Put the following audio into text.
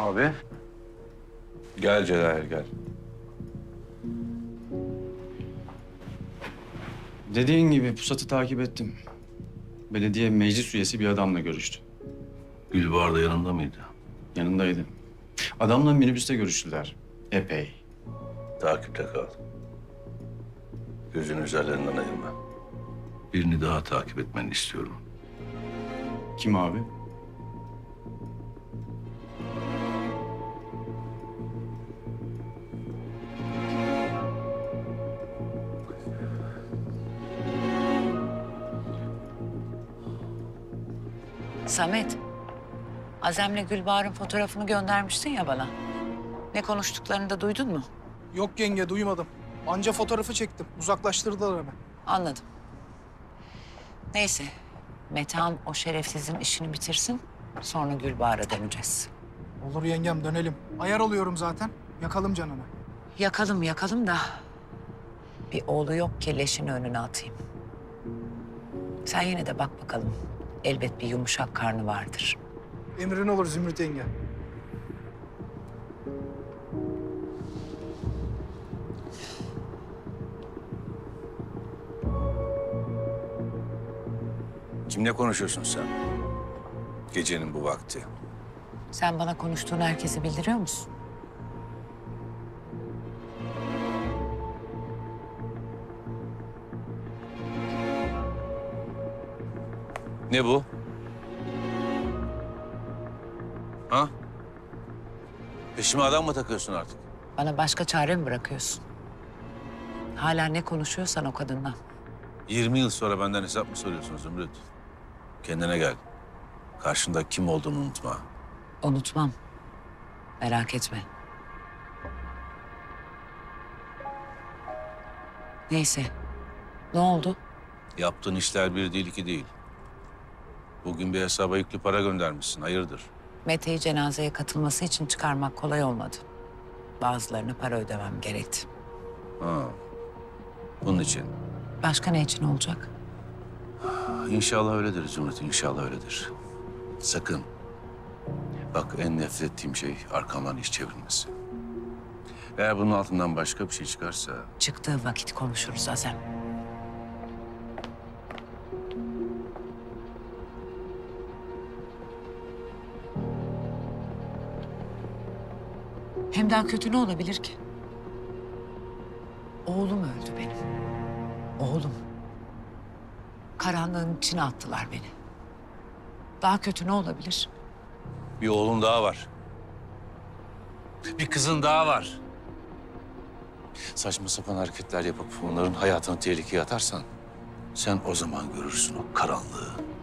Abi. Gel Celal, gel. Dediğin gibi pusatı takip ettim. Belediye meclis üyesi bir adamla görüştü. Gülbahar da yanında mıydı? Yanındaydı. Adamla minibüste görüştüler. Epey. Takipte kal. Gözünü üzerlerinden ayırma. Birini daha takip etmeni istiyorum. Kim abi? Samet, Azem'le Gülbahar'ın fotoğrafını göndermiştin ya bana. Ne konuştuklarını da duydun mu? Yok yenge, duymadım. Anca fotoğrafı çektim. Uzaklaştırdılar hemen. Anladım. Neyse, Metehan o şerefsizin işini bitirsin. Sonra Gülbahar'a döneceğiz. Olur yengem, dönelim. Ayar oluyorum zaten. Yakalım canını. Yakalım da bir oğlu yok ki leşini önüne atayım. Sen yine de bak bakalım. Elbet bir yumuşak karnı vardır. Emrin olur Zümrüt yenge. Kimle konuşuyorsun sen? Gecenin bu vakti. Sen bana konuştuğun herkesi bildiriyor musun? Ne bu? Ha? Peşime adam mı takıyorsun artık? Bana başka çare mi bırakıyorsun? Hala ne konuşuyorsan o kadından. 20 yıl sonra benden hesap mı soruyorsun Zümrüt? Kendine gel. Karşında kim olduğunu unutma. Unutmam. Merak etme. Neyse. Ne oldu? Yaptığın işler bir değil, iki değil. Bugün bir hesaba yüklü para göndermişsin. Hayırdır? Mete'yi cenazeye katılması için çıkarmak kolay olmadı. Bazılarına para ödemem gerekti. Ha. Bunun için. Başka ne için olacak? İnşallah öyledir Zümrüt, inşallah öyledir. Sakın. Bak en nefret ettiğim şey arkamdan iş çevirmesi. Eğer bunun altından başka bir şey çıkarsa... Çıktığı vakit konuşuruz Azem. Hem daha kötü ne olabilir ki? Oğlum öldü benim. Oğlum. Karanlığın içine attılar beni. Daha kötü ne olabilir? Bir oğlun daha var. Bir kızın daha var. Saçma sapan hareketler yapıp onların hayatını tehlikeye atarsan... sen o zaman görürsün o karanlığı.